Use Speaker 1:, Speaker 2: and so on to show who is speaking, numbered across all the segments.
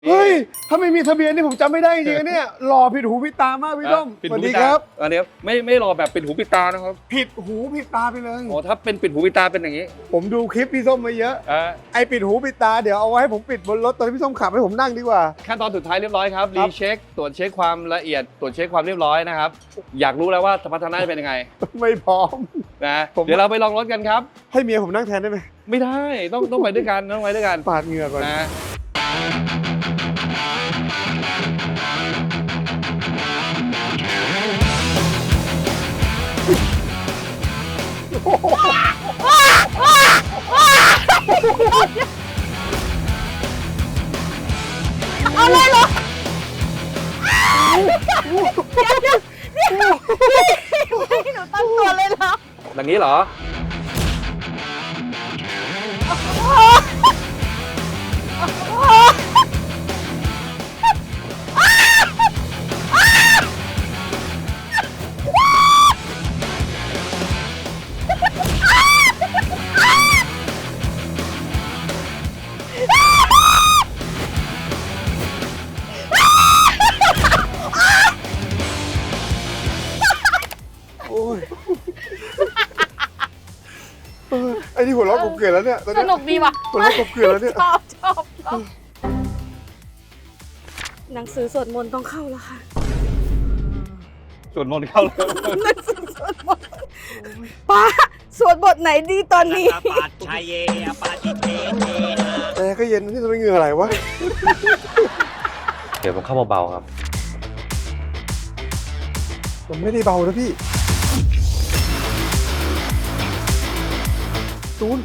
Speaker 1: เฮ้ยถ้าไม่มีทะเบียนนี่ผมจำไม่ได้จริงๆเนี่ยหล่อผิดหูผิดตามากพี่ต้อมสวัสดีครับ
Speaker 2: อันนี้ไม่รอแบบปิดหูปิดตานะครับ
Speaker 1: ผิดหูผิดตาไปเลย
Speaker 2: โอ้ถ้าเป็นปิดหูปิดตาเป็นอย่างนี้
Speaker 1: ผมดูคลิปพี่ส้มมาเยอะไอปิดหูปิดตาเดี๋ยวเอาไว้ให้ผมปิดบนรถตอนที่พี่ส้มขับให้ผมนั่งดีกว่า
Speaker 2: ขั้นตอนสุดท้ายเรียบร้อยครับรีเช็คตรวจเช็คความละเอียดตรวจเช็คความเรียบร้อยนะครับอยากรู้แล้วว่าสมรรถนะเป็นยังไง
Speaker 1: ไม่พร้อม
Speaker 2: นะเดี๋ยวเราไปลองรถกันครับ
Speaker 1: ให้เมียผมนั่งแทนได้ไหม
Speaker 2: ไม่ได้ต้องไปด้วยกันต้องไปด้วยกัน
Speaker 1: ปาดเหงื่อก่อน
Speaker 2: นะ
Speaker 3: เอาเลยเหรอหนูตั้งตัวเลยเหรอ
Speaker 2: อย่างนี้เหรอ
Speaker 1: ไอ้ที่หัวเราะกบเกลื่อนแล้วเนี่ย
Speaker 3: สนุกดีว่ะ
Speaker 1: หัวเราะกบเกลื่อนแล้วเนี่ย
Speaker 3: ชอบหนังสือสวดมนต์ต้องเข้าแล้วค่ะ
Speaker 2: สวดมนต์เข้าแล้ว
Speaker 3: หนังสือสวดมนต์ป้าสวดบทไหนดีตอนนี้
Speaker 4: ปาชเยปาติเต
Speaker 1: แต่ก็เย็นนี่จะไม่เหงื่ออะไรวะ
Speaker 2: เดี๋ยวผมเข้าเบาๆครับ
Speaker 1: ผมไม่ได้เบานะพี่ตูน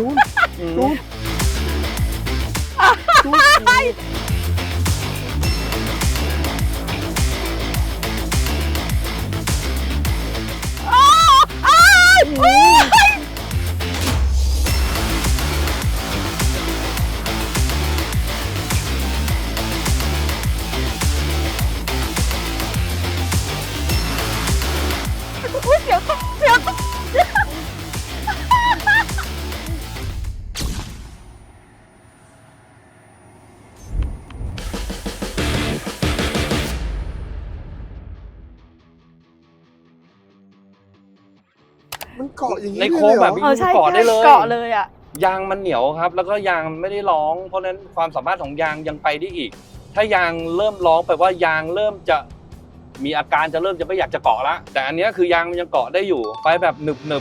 Speaker 1: มันเกาะอย่างนี้
Speaker 2: ในโค้งแบบนี้เกาะได้เลย
Speaker 3: เกาะเลยอ่ะ
Speaker 2: ยางมันเหนียวครับแล้วก็ยางไม่ได้ร้องเพราะฉะนั้นความสามารถของยางยังไปได้อีกถ้ายางเริ่มร้องแปลว่ายางเริ่มจะมีอาการจะเริ่มจะไม่อยากจะเกาะละแต่อันนี้คือยางมันยังเกาะได้อยู่ไปแบบหนึบ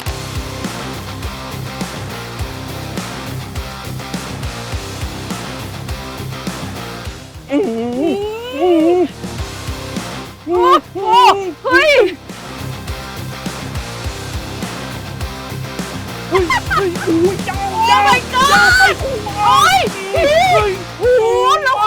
Speaker 3: เฮ้ยเจ้าไม่กล้าโอ้ยโอ้โหแล้ว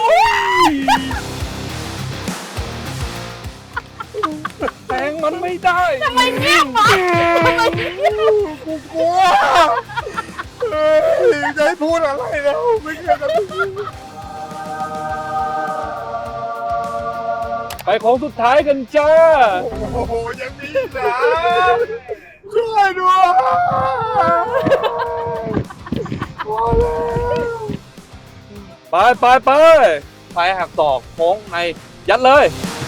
Speaker 2: แทงมันไม่ได้
Speaker 3: ทำไมเงียบวะ
Speaker 1: กูกลัวจะให้พูดอะไรแล้วไม่เกี่ยวกับ
Speaker 2: ไปโค้งสุดท้ายกันจ้า
Speaker 1: โอ้โหยังมีนะช่วยด้วย
Speaker 2: ไปหักศอกโค้งในยัดเลย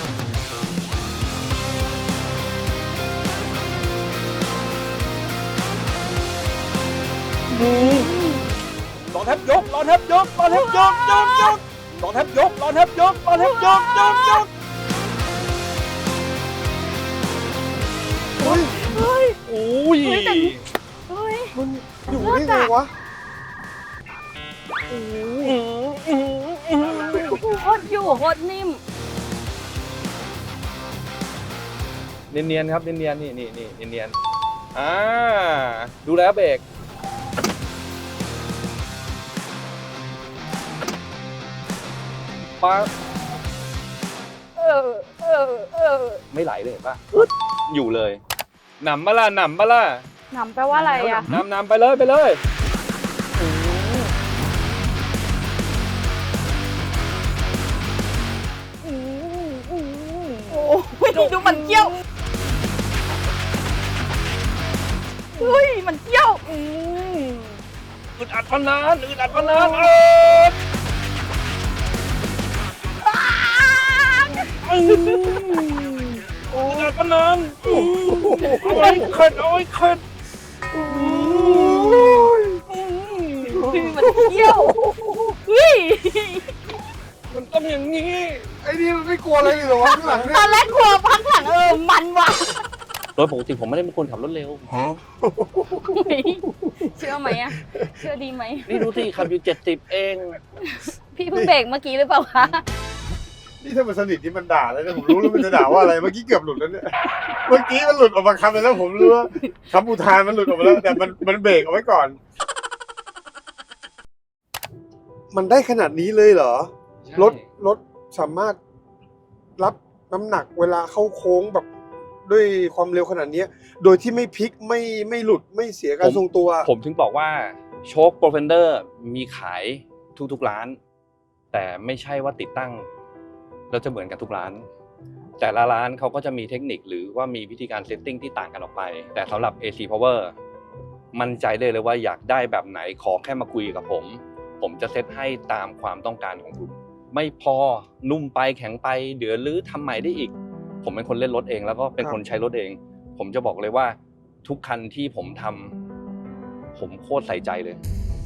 Speaker 2: รอแทบยกรอแทบยกรอแทบยกรอแทบยกรอแทบยกรอแทบยก
Speaker 1: เฮ้ย
Speaker 2: โอ้ย
Speaker 1: มันอยู่ได้ไงวะ
Speaker 3: โคตรอยู่โคตรนิ่ม
Speaker 2: เนียนๆครับเนียนๆนี่เนียนๆดูแล้วเบรกปั๊บไม่ไหลเลยเห็นป่ะอยู่เลยหนำมาล่ะ
Speaker 3: หนำแปลว่าอะไรอ่ะ
Speaker 2: นำไปเลย
Speaker 3: ดูมันเกี้ยวเฮ้ยมันเกี้ยว
Speaker 2: อึดอัดพนานโอ้ยปะนันเอาไว้เข็ดเอาไว้เข็ด
Speaker 3: มันเที่ยวเฮ้ย
Speaker 2: มันต้องอย่างนี้
Speaker 1: ไอ้นี่มันไม่กลัวอะไรเลยเหรอวะข้างหลังเนี่
Speaker 3: ตอย นแรกกลัวพักหลังมันว่ะ
Speaker 2: โดยปกติผมไม่ได้เป็นคนขับรถเร็ว
Speaker 3: เชื่อไหมอะเชื่อดีไหม
Speaker 2: นี่ดูสิขับอยู่70เอง
Speaker 3: พี่เพิ่งเบรกเมื่อกี้หรือเปล่าคะ
Speaker 1: นี่ถ้ามันสนิทนี่มันด่าแล้วเนี่ยผมรู้แล้วมันจะด่าว่าอะไรเมื่อกี้เกือบหลุดแล้วเนี่ยเมื่อกี้มันหลุดออกมาคำไปแล้วผมรู้ว่าคำอุทานมันหลุดออกมาแล้วแต่มันเบรกเอาไว้ก่อน มันได้ขนาดนี้เลยเหรอรถสามารถรับน้ำหนักเวลาเข้าโค้งแบบด้วยความเร็วขนาดนี้โดยที่ไม่พลิกไม่หลุดไม่เสียการทรงตัว
Speaker 2: ผมถึงบอกว่าโชคโปรเฟนเดอร์มีขายทุกร้าน แต่ไม่ใช่ว่าติดตั้งแล้วจะเหมือนกันทุกร้าน แต่ละร้านเขาก็จะมีเทคนิคหรือว่ามีวิธีการเซตติ้งที่ต่างกันออกไป แต่สำหรับ AC Power มั่นใจได้เลยว่าอยากได้แบบไหนขอแค่มาคุยกับผมจะเซตให้ตามความต้องการของคุณไม่พอนุ่มไปแข็งไปเดี๋ยวรื้อทำใหม่ได้อีกผมเป็นคนเล่นรถเองแล้วก็เป็นคนใช้รถเองผมจะบอกเลยว่าทุกคันที่ผมทำผมโคตรใส่ใจเลย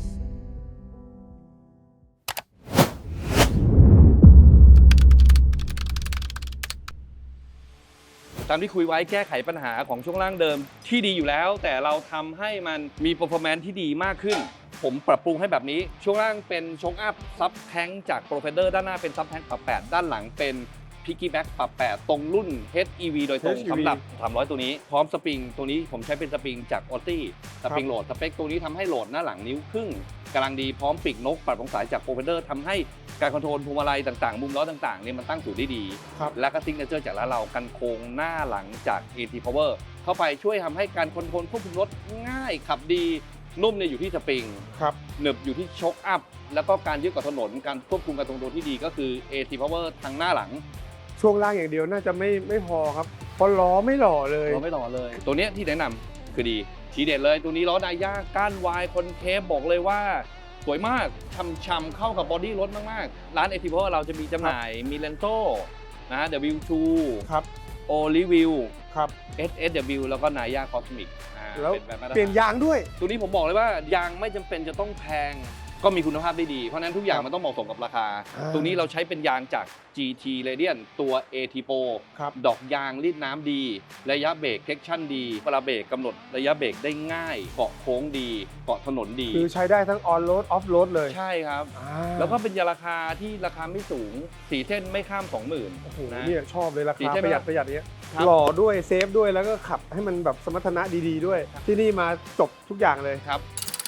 Speaker 2: ตามที่คุยไว้แก้ไขปัญหาของช่วงล่างเดิมที่ดีอยู่แล้วแต่เราทำให้มันมี performance ที่ดีมากขึ้นผมปรับปรุงให้แบบนี้ช่วงล่างเป็นโชคอัพซับแท้งจากโปรเฟนเดอร์ด้านหน้าเป็นซับแท้งปรับ8ด้านหลังเป็นพิกกี้แบ็กปรับ8ตรงรุ่น HEV โดยตรงสำหรับ300ตัวนี้พร้อมสปริงตัวนี้ผมใช้เป็นสปริงจากออตตี้สปริงโหลดสเปคตัวนี้ทำให้โหลดหน้าหลังนิ้วครึ่งกำลังดีพร้อมปีกนกปรับองศาจากโปรเฟนเดอร์ทำให้การคอนโทรลพวงมาลัยต่างๆมุมล้อต่างๆเนี่ยมันตั้งศูนย์ได้ดีและก็ซิกเนเจอร์จากร้านเรากันโค้งหน้าหลังจาก AT Power เข้าไปช่วยทำให้การคอนโทรลควบคุมรถง่ายขับดีนุ่มเนี่ยอยู่ที่สปริงหนึบอยู่ที่โชคอัพแล้วก็การยึดกับถนนการควบคุมการทรงตัวที่ดีก็คือ AT Power ทางหน้าหลัง
Speaker 1: ช่วงล่างอย่างเดียวน่าจะไม่พอครับเพราะล้อไม่หล่อเลย
Speaker 2: เราไม่หล่อเลย ตัวเนี้ยที่แนะนำคือดีทีเด็ดเลยตัวนี้ล้อดาย่าก้านวายคอนเคฟบอกเลยว่าสวยมากช่ำๆเข้ากับบอดี้รถมากๆร้าน AT Power เราจะมีจำหน่ายมีเลนโซนะ W2
Speaker 1: ครับ
Speaker 2: โอลิวิว
Speaker 1: ครับ
Speaker 2: SSW แล้วก็นายาคอสมิก
Speaker 1: แล้ว
Speaker 2: เป็นแบบมาตรฐาน
Speaker 1: เปลี่ยนยางด้วย
Speaker 2: ตัวนี้ผมบอกเลยว่ายางไม่จำเป็นจะต้องแพงก็มีคุณภาพได้ดีเพราะฉะนั้นทุกอย่างมันต้องเหมาะสมกับราคา ตรงนี้เราใช้เป็นยางจาก GT Radiant ตัว AT Pro ดอกยางรีดน้ำดีระยะเบรกเทคชั่นดีเวลาเบรกกำหนดระยะเบรกได้ง่ายเกาะโค้งดีเกาะถนนดี
Speaker 1: คือใช้ได้ทั้งออนโรดออฟโรดเลย
Speaker 2: ใช่ครับแล้วก็เป็นยาราคาที่ราคาไม่สูง4เส้นไม่ข้าม 20,000
Speaker 1: โอ้โห
Speaker 2: นะ
Speaker 1: เนี่ยชอบเลยรา
Speaker 2: สี
Speaker 1: คา
Speaker 2: ใช่ไหม
Speaker 1: ประหยัดเนี้ย
Speaker 2: ครับ
Speaker 1: หล่อด้วยเซฟด้วยแล้วก็ขับให้มันแบบสมรรถนะดีๆด้วย ที่นี่มาจบทุกอย่างเลย
Speaker 2: ครับ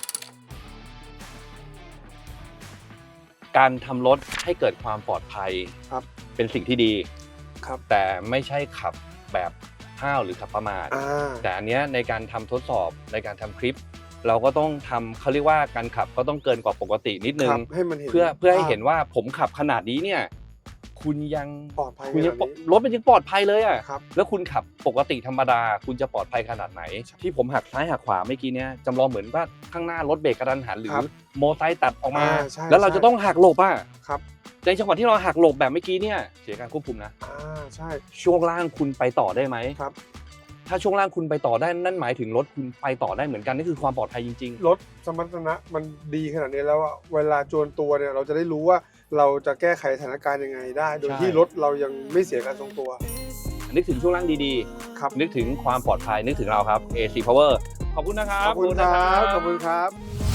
Speaker 2: การทำรถให้เกิดความปลอดภัย
Speaker 1: ครับ
Speaker 2: เป็นสิ่งที่ดี
Speaker 1: ครับ
Speaker 2: แต่ไม่ใช่ขับแบบห้าวหรือขับประมาทแต่อันเนี้ยในการทำทดสอบในการทำคลิป เราก็ต้องทำเขาเรียกว่าการขับก็ต้องเกินกว่าปกตินิดนึง
Speaker 1: ให้มันเห็น
Speaker 2: เพื่อให้เห็นว่าผมขับขนาดนี้เนี่ยคุณยัง
Speaker 1: ปลอดภัย
Speaker 2: คุณยัง
Speaker 1: ขนาดนี้
Speaker 2: รถมันยังปลอดภัยเลยอ่ะ
Speaker 1: ครับ
Speaker 2: แล้วคุณขับปกติธรรมดาคุณจะปลอดภัยขนาดไหน ที่ผมหักซ้ายหักขวาเมื่อกี้เนี่ยจำลองเหมือนว่าข้างหน้ารถเบรกกระทันหันหรือโมไซค์ตัดออกมา
Speaker 1: ใช่
Speaker 2: แล้วเราจะต้องหักหลบอ่ะ
Speaker 1: ครับ
Speaker 2: ในจังหวะที่เราหักหลบแบบเมื่อกี้เนี่ยเสียการควบคุมนะ
Speaker 1: ใช่
Speaker 2: ช่วงล่างคุณไปต่อได้ไหม
Speaker 1: ครับ
Speaker 2: ถ้าช่วงล่างคุณไปต่อได้นั่นหมายถึงรถคุณไปต่อได้เหมือนกันนี่คือความปลอดภัยจริง
Speaker 1: รถสมรรถนะมันดีขนาดนี้แล้วอะเวลาจวนตัวเนี่ยเราจะได้รู้ว่าเราจะแก้ไขสถานการณ์ยังไงได้ โดย
Speaker 2: ใช่
Speaker 1: ที่รถเรายังไม่เสียการทรงตัว
Speaker 2: ๆนึกถึงช่วงล่างดี
Speaker 1: ครับ
Speaker 2: ๆนึกถึงความปลอดภัยนึกถึงเราครับ AC Power ขอบคุณนะครับ
Speaker 1: ขอบคุณครับ